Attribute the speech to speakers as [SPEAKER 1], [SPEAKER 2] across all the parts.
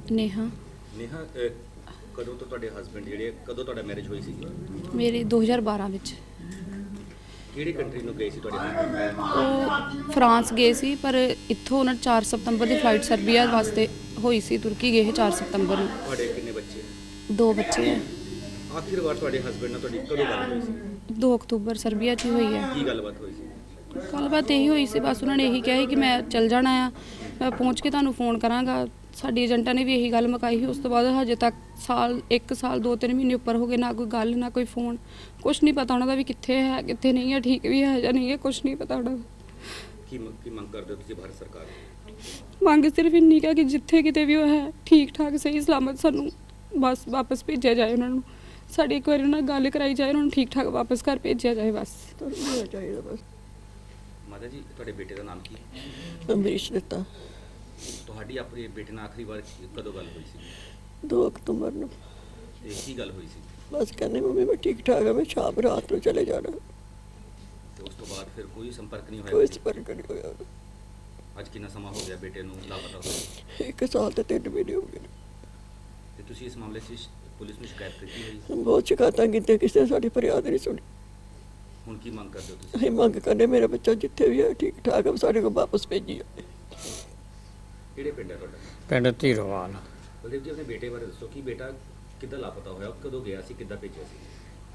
[SPEAKER 1] ਨੇਹਾ।
[SPEAKER 2] ਨੇਹਾ ਕਦੋਂ ਤੋਂ ਤੁਹਾਡੇ ਹਸਬੰਡ ਜਿਹੜੇ ਕਦੋਂ ਤੁਹਾਡਾ ਮੈਰਿਜ ਹੋਈ ਸੀ?
[SPEAKER 1] ਮੇਰੀ 2012 ਵਿੱਚ।
[SPEAKER 2] ਕਿਹੜੀ ਕੰਟਰੀ ਨੂੰ ਗਏ ਸੀ ਤੁਹਾਡੇ husband?
[SPEAKER 1] ਉਹ ਫਰਾਂਸ ਗਏ ਸੀ, ਪਰ ਇੱਥੋਂ ਉਹਨਾਂ 4 ਸਤੰਬਰ ਦੀ ਫਲਾਈਟ ਸਰਬੀਆ ਵਾਸਤੇ ਹੋਈ ਸੀ। ਤੁਰਕੀ ਗਏ 4 ਸਤੰਬਰ ਨੂੰ।
[SPEAKER 2] ਤੁਹਾਡੇ ਕਿੰਨੇ ਬੱਚੇ?
[SPEAKER 1] 2 ਬੱਚੇ ਹੈ।
[SPEAKER 2] ਆਖਿਰ ਵਾਰ ਤੁਹਾਡੇ ਹਸਬੰਡ ਨਾਲ ਤੁਹਾਡੀ ਕਦੋਂ ਗੱਲ ਹੋਈ ਸੀ?
[SPEAKER 1] 2 ਅਕਤੂਬਰ ਸਰਬੀਆ 'ਚ ਹੀ ਹੋਈ ਹੈ।
[SPEAKER 2] ਕੀ ਗੱਲਬਾਤ ਹੋਈ ਸੀ?
[SPEAKER 1] ਗੱਲਬਾਤ ਇਹੀ ਹੋਈ ਸੀ, ਬਸ ਉਹਨਾਂ ਨੇ ਇਹੀ ਕਿਹਾ ਸੀ ਕਿ ਮੈਂ ਚੱਲ ਜਾਣਾ ਆ, ਮੈਂ ਪਹੁੰਚ ਕੇ ਤੁਹਾਨੂੰ ਫੋਨ ਕਰਾਂਗਾ। ਸਾਡੀ ਏਜੰਟਾਂ ਨੇ ਵੀ ਇਹੀ ਗੱਲ ਮੁਕਾਈ ਸੀ। ਉਸ ਤੋਂ ਬਾਅਦ ਹਜੇ ਤੱਕ 1 ਸਾਲ 2-3 ਮਹੀਨੇ ਉੱਪਰ ਹੋ ਗਏ, ਨਾ ਕੋਈ ਗੱਲ ਨਾ ਕੋਈ ਫੋਨ, ਕੁਛ ਨਹੀਂ ਪਤਾ ਉਹਨਾਂ ਦਾ ਵੀ ਕਿੱਥੇ ਹੈ ਕਿੱਥੇ ਨਹੀਂ ਹੈ, ਠੀਕ ਵੀ ਹੈ ਜਾਂ ਨਹੀਂ ਹੈ, ਕੁਛ ਨਹੀਂ ਪਤਾ ਉਹਨਾਂ ਦਾ।
[SPEAKER 2] ਕੀ ਮੰਗ ਕਰਦੇ ਹੋ ਤੁਸੀਂ ਭਾਰਤ ਸਰਕਾਰ ਤੋਂ?
[SPEAKER 1] ਮੰਗ ਸਿਰਫ ਇੰਨੀ ਕੁ ਹੈ ਕਿ ਜਿੱਥੇ ਕਿਤੇ ਵੀ ਉਹ ਹੈ ਠੀਕ ਠਾਕ ਸਹੀ ਸਲਾਮਤ ਸਾਨੂੰ ਬਸ ਵਾਪਸ ਭੇਜਿਆ ਜਾਏ। ਉਹਨਾਂ ਨੂੰ ਸਾਡੀ ਇੱਕ ਵਾਰੀ ਉਹਨਾਂ ਨਾਲ ਗੱਲ ਕਰਾਈ ਜਾਏ, ਉਹਨਾਂ ਨੂੰ ਠੀਕ ਠਾਕ ਵਾਪਸ ਘਰ ਭੇਜਿਆ ਜਾਏ ਬਸ।
[SPEAKER 3] ਚਾਹੀਦਾ ਬਸ।
[SPEAKER 2] ਮਾਤਾ ਜੀ ਤੁਹਾਡੇ ਬੇਟੇ ਦਾ ਨਾਮ ਕੀ?
[SPEAKER 3] ਅੰਮ੍ਰਿਤ ਦਿੱਤਾ।
[SPEAKER 2] ਤੁਹਾਡੀ ਆਪਣੇ ਬੇਟੇ ਨਾਲ ਆਖਰੀ ਵਾਰ ਕਦੋਂ ਗੱਲ ਹੋਈ ਸੀ?
[SPEAKER 3] 2 ਅਕਤੂਬਰ ਨੂੰ।
[SPEAKER 2] ਤੇ ਕੀ ਗੱਲ ਹੋਈ ਸੀ?
[SPEAKER 3] ਬਸ ਕਹਿੰਦੇ ਮੰਮੀ ਮੈਂ ਠੀਕ ਠਾਕ ਹਾਂ, ਮੈਂ ਸ਼ਾਮ ਰਾਤ ਨੂੰ ਚਲੇ ਜਾਣਾ।
[SPEAKER 2] ਤੇ ਉਸ ਤੋਂ ਬਾਅਦ ਫਿਰ ਕੋਈ ਸੰਪਰਕ ਨਹੀਂ
[SPEAKER 3] ਕੋਈ
[SPEAKER 2] ਹੋਇਆ?
[SPEAKER 3] ਸੰਪਰਕ ਨਹੀਂ ਹੋਇਆ।
[SPEAKER 2] ਅੱਜ ਕਿੰਨਾ ਸਮਾਂ ਹੋ ਗਿਆ ਬੇਟੇ ਨੂੰ ਲਾਪਤਾ ਹੋਏ?
[SPEAKER 3] 1 ਸਾਲ ਤੇ 3 ਮਹੀਨੇ ਹੋ ਗਏ ਨੇ।
[SPEAKER 2] ਤੇ ਤੁਸੀਂ ਇਸ ਮਾਮਲੇ 'ਚ ਪੁਲਿਸ ਨੂੰ ਸ਼ਿਕਾਇਤ ਕੀਤੀ ਹੋਈ?
[SPEAKER 3] ਬਹੁਤ ਸ਼ਿਕਾਇਤਾਂ ਕੀਤੀਆਂ, ਕਿਸੇ ਨੇ ਸਾਡੀ ਫਰਿਆਦ ਨਹੀਂ ਸੁਣੀ।
[SPEAKER 2] ਹੁਣ ਕੀ ਮੰਗ ਕਰਦੇ ਹੋ ਤੁਸੀਂ?
[SPEAKER 3] ਅਸੀਂ ਮੰਗ ਕਰਨੇ ਮੇਰਾ ਬੱਚਾ ਜਿੱਥੇ ਵੀ ਹੈ ਠੀਕ ਠਾਕ ਹੈ, ਸਾਡੇ ਕੋਲ ਵਾਪਸ ਭੇਜੀ ਜਾਏ।
[SPEAKER 2] ਕਿਹੜੇ ਪਿੰਡ ਹੈ ਤੁਹਾਡਾ?
[SPEAKER 4] ਪਿੰਡ ਧੀਰੋਵਾਲ।
[SPEAKER 2] ਬਲਦੇਵ ਜੀ ਆਪਣੇ ਬੇਟੇ ਬਾਰੇ ਦੱਸੋ ਕਿ ਬੇਟਾ ਕਿੱਦਾਂ ਲਾਪਤਾ ਹੋਇਆ, ਕਦੋਂ ਗਿਆ ਸੀ, ਕਿੱਦਾਂ ਭੇਜਿਆ ਸੀ?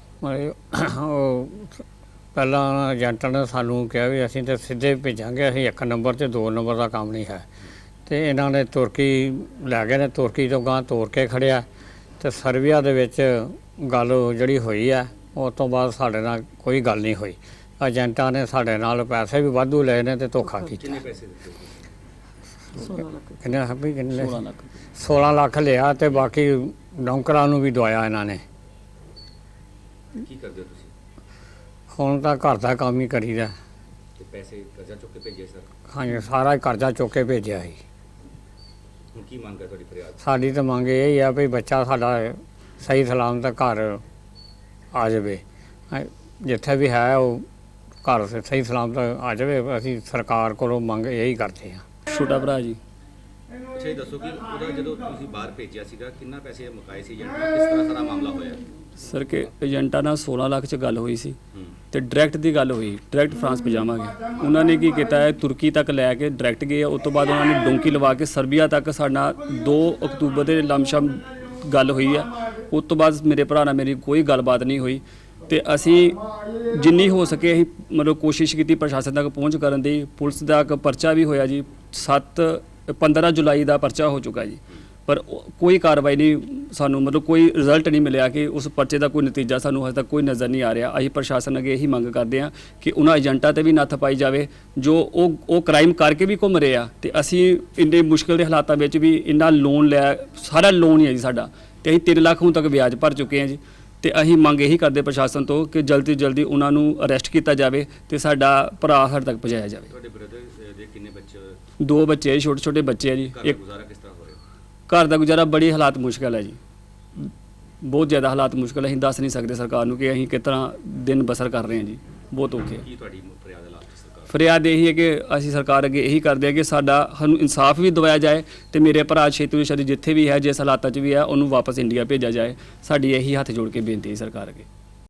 [SPEAKER 4] ਉਹ ਪਹਿਲਾਂ ਏਜੰਟਾਂ ਨੇ ਸਾਨੂੰ ਕਿਹਾ ਵੀ ਅਸੀਂ ਤਾਂ ਸਿੱਧੇ ਭੇਜਾਂਗੇ, ਅਸੀਂ 1 ਨੰਬਰ ਤੇ 2 ਨੰਬਰ ਦਾ ਕੰਮ ਨਹੀਂ ਹੈ। ਤੇ ਇਹਨਾਂ ਨੇ ਤੁਰਕੀ ਲੈ ਗਏ ਨੇ, ਤੁਰਕੀ ਤੋਂ ਗਾਂ ਤੋਰ ਕੇ ਖੜਿਆ ਤੇ ਸਰਬੀਆ ਦੇ ਵਿੱਚ ਗੱਲ ਜਿਹੜੀ ਹੋਈ ਹੈ ਉਸ ਤੋਂ ਬਾਅਦ ਸਾਡੇ ਨਾਲ ਕੋਈ ਗੱਲ ਨਹੀਂ ਹੋਈ। ਏਜੰਟਾਂ ਨੇ ਸਾਡੇ ਨਾਲ ਪੈਸੇ ਵੀ ਵਾਧੂ ਲਏ ਨੇ ਤੇ ਧੋਖਾ ਕੀਤਾ।
[SPEAKER 2] ਕਿੰਨੇ ਪੈਸੇ ਦਿੱਤੇ?
[SPEAKER 3] 16 ਲੱਖ।
[SPEAKER 4] ਕਿੰਨੇ ਵੀ ਕਿੰਨੇ 16 ਲੱਖ ਲਿਆ ਤੇ ਬਾਕੀ ਨੌਕਰਾਂ ਨੂੰ ਵੀ ਦਵਾਇਆ ਇਹਨਾਂ ਨੇ।
[SPEAKER 2] ਕੀ ਕਰਦੇ ਹੋ ਤੁਸੀਂ?
[SPEAKER 4] ਹੁਣ ਤਾਂ ਘਰ ਦਾ ਕੰਮ ਹੀ ਕਰੀਦਾ।
[SPEAKER 2] ਤੇ ਪੈਸੇ ਕਰਜ਼ਾ ਚੁੱਕ ਕੇ ਭੇਜੇ ਸਰ?
[SPEAKER 4] ਹਾਂਜੀ, ਸਾਰਾ ਹੀ ਕਰਜ਼ਾ ਚੁੱਕ ਕੇ ਭੇਜਿਆ ਸੀ।
[SPEAKER 2] ਹੁਣ ਕੀ ਮੰਗ ਹੈ ਤੁਹਾਡੀ ਫਰਿਆਦ?
[SPEAKER 4] ਸਾਡੀ ਤਾਂ ਮੰਗ ਇਹ ਹੀ ਆ ਵੀ ਬੱਚਾ ਸਾਡਾ ਸਹੀ ਸਲਾਮਤ ਘਰ ਆ ਜਾਵੇ। ਜਿੱਥੇ ਵੀ ਹੈ ਉਹ ਘਰ ਸਹੀ ਸਲਾਮਤ ਆ ਜਾਵੇ। ਅਸੀਂ ਸਰਕਾਰ ਕੋਲੋਂ ਮੰਗ ਇਹੀ ਕਰਦੇ ਹਾਂ।
[SPEAKER 5] ਛੋਟਾ ਭਰਾ ਜੀ।
[SPEAKER 2] ਅੱਛਾ ਇਹ ਦੱਸੋ ਕਿ ਉਹਦਾ ਜਦੋਂ ਤੁਸੀਂ ਬਾਹਰ ਭੇਜਿਆ ਸੀਗਾ ਕਿੰਨਾ ਪੈਸੇ ਮੁਕਾਏ ਸੀ ਏਜੰਟ ਨਾਲ, ਕਿਸ ਤਰ੍ਹਾਂ ਸਾਰਾ ਮਾਮਲਾ ਹੋਇਆ?
[SPEAKER 5] ਸਰ ਕਿ ਏਜੰਟਾਂ ਨਾਲ 16 ਲੱਖ 'ਚ ਗੱਲ ਹੋਈ ਸੀ
[SPEAKER 2] ਹੂੰ।
[SPEAKER 5] ਤੇ ਡਾਇਰੈਕਟ ਦੀ ਗੱਲ ਹੋਈ, ਡਾਇਰੈਕਟ ਫਰਾਂਸ ਭਜਾਵਾਂਗੇ। ਉਹਨਾਂ ਨੇ ਕੀ ਕੀਤਾ ਹੈ, ਤੁਰਕੀ ਤੱਕ ਲੈ ਕੇ ਡਾਇਰੈਕਟ ਗਏ। ਉਸ ਤੋਂ ਬਾਅਦ ਉਹਨਾਂ ਨੇ ਡੋਂਕੀ ਲਵਾ ਕੇ ਸਰਬੀਆ ਤੱਕ ਸਾਡਾ 2 ਅਕਤੂਬਰ ਦੇ ਲਮਸ਼ਮ ਗੱਲ ਹੋਈ ਹੈ। ਉਸ ਤੋਂ ਬਾਅਦ ਮੇਰੇ ਭਰਾ ਨਾਲ ਮੇਰੀ ਕੋਈ ਗੱਲਬਾਤ ਨਹੀਂ ਹੋਈ ਤੇ ਅਸੀਂ ਜਿੰਨੀ ਹੋ ਸਕੇ ਅਸੀਂ ਮਤਲਬ ਕੋਸ਼ਿਸ਼ ਕੀਤੀ ਪ੍ਰਸ਼ਾਸਨ ਤੱਕ ਪਹੁੰਚ ਕਰਨ ਦੀ। ਪੁਲਿਸ ਦਾ ਇੱਕ ਪਰਚਾ ਵੀ ਹੋਇਆ ਜੀ, 15 ਜੁਲਾਈ ਦਾ ਪਰਚਾ ਹੋ ਚੁੱਕਾ ਜੀ, ਪਰ ਕੋਈ ਕਾਰਵਾਈ ਨਹੀਂ, ਸਾਨੂੰ ਮਤਲਬ ਕੋਈ ਰਿਜ਼ਲਟ ਨਹੀਂ ਮਿਲਿਆ ਕਿ ਉਸ ਪਰਚੇ ਦਾ ਕੋਈ ਨਤੀਜਾ ਸਾਨੂੰ ਹਜੇ ਤੱਕ ਕੋਈ ਨਜ਼ਰ ਨਹੀਂ ਆ ਰਿਹਾ। ਅਸੀਂ ਪ੍ਰਸ਼ਾਸਨ ਅੱਗੇ ਇਹੀ ਮੰਗ ਕਰਦੇ ਹਾਂ ਕਿ ਉਹਨਾਂ ਏਜੰਟਾਂ ਤੇ ਵੀ ਨੱਥ ਪਾਈ ਜਾਵੇ ਜੋ ਉਹ ਕ੍ਰਾਈਮ ਕਰਕੇ ਵੀ ਘੁੰਮ ਰਹੇ ਆ। ਤੇ ਅਸੀਂ ਇੰਨੇ ਮੁਸ਼ਕਿਲ ਦੇ ਹਾਲਾਤਾਂ ਵਿੱਚ ਵੀ ਇੰਨਾ ਲੋਨ ਲਿਆ, ਸਾਰਾ ਲੋਨ ਹੀ ਹੈ ਜੀ ਸਾਡਾ, ਤੇ ਅਸੀਂ 3 ਲੱਖ ਹੁਣ ਤੱਕ ਵਿਆਜ ਭਰ ਚੁੱਕੇ ਹਾਂ ਜੀ। ਤੇ ਅਸੀਂ ਮੰਗ ਇਹੀ ਕਰਦੇ ਪ੍ਰਸ਼ਾਸਨ ਤੋਂ ਕਿ ਜਲਦੀ ਤੋਂ ਜਲਦੀ ਉਹਨਾਂ ਨੂੰ ਅਰੈਸਟ ਕੀਤਾ ਜਾਵੇ ਤੇ ਸਾਡਾ ਭਰਾ ਸਾਡੇ ਤੱਕ ਪਹੁੰਚਾਇਆ ਜਾਵੇ।
[SPEAKER 2] ਤੁਹਾਡੇ ਬ੍ਰਦਰ ਦੇ ਕਿੰਨੇ ਬੱਚੇ?
[SPEAKER 5] 2 ਬੱਚੇ ਛੋਟੇ ਛੋਟੇ ਬੱਚੇ ਆ ਜੀ।
[SPEAKER 2] ਘਰ ਦਾ ਗੁਜ਼ਾਰਾ ਕਿਸ ਤਰ੍ਹਾਂ ਹੋ ਰਿਹਾ?
[SPEAKER 5] ਘਰ ਦਾ ਗੁਜ਼ਾਰਾ ਬੜੀ ਹਾਲਾਤ ਮੁਸ਼ਕਲ ਹੈ ਜੀ, ਬਹੁਤ ਜ਼ਿਆਦਾ ਹਾਲਾਤ ਮੁਸ਼ਕਲ ਹੈ। ਅਸੀਂ ਦੱਸ ਨਹੀਂ ਸਕਦੇ ਸਰਕਾਰ ਨੂੰ ਕਿ ਅਸੀਂ ਕਿਸ ਤਰ੍ਹਾਂ ਦਿਨ ਬਸਰ ਕਰ ਰਹੇ ਹਾਂ ਜੀ, ਬਹੁਤ ਔਖੇ।
[SPEAKER 2] ਕੀ ਤੁਹਾਡੀ ਫਰਿਆਦ ਹੈ ਲਾਸਟ ਸਰਕਾਰ?
[SPEAKER 5] ਫਰਿਆਦ ਇਹੀ ਹੈ ਕਿ ਅਸੀਂ ਸਰਕਾਰ ਅੱਗੇ ਇਹੀ ਕਰਦੇ ਹਾਂ ਕਿ ਸਾਨੂੰ ਇਨਸਾਫ ਵੀ ਦਿਵਾਇਆ ਜਾਏ ਤੇ ਮੇਰੇ ਭਰਾ ਛੇਤੀ ਤੋਂ ਛੇਤੀ ਜਿੱਥੇ ਵੀ ਹੈ, ਜਿਸ ਹਾਲਾਤਾਂ 'ਚ ਵੀ ਹੈ, ਉਹਨੂੰ ਵਾਪਸ ਇੰਡੀਆ ਭੇਜਿਆ ਜਾਏ। ਸਾਡੀ ਇਹੀ ਹੱਥ ਜੋੜ ਕੇ ਬੇਨਤੀ ਹੈ ਸਰਕਾਰ ਅੱਗੇ।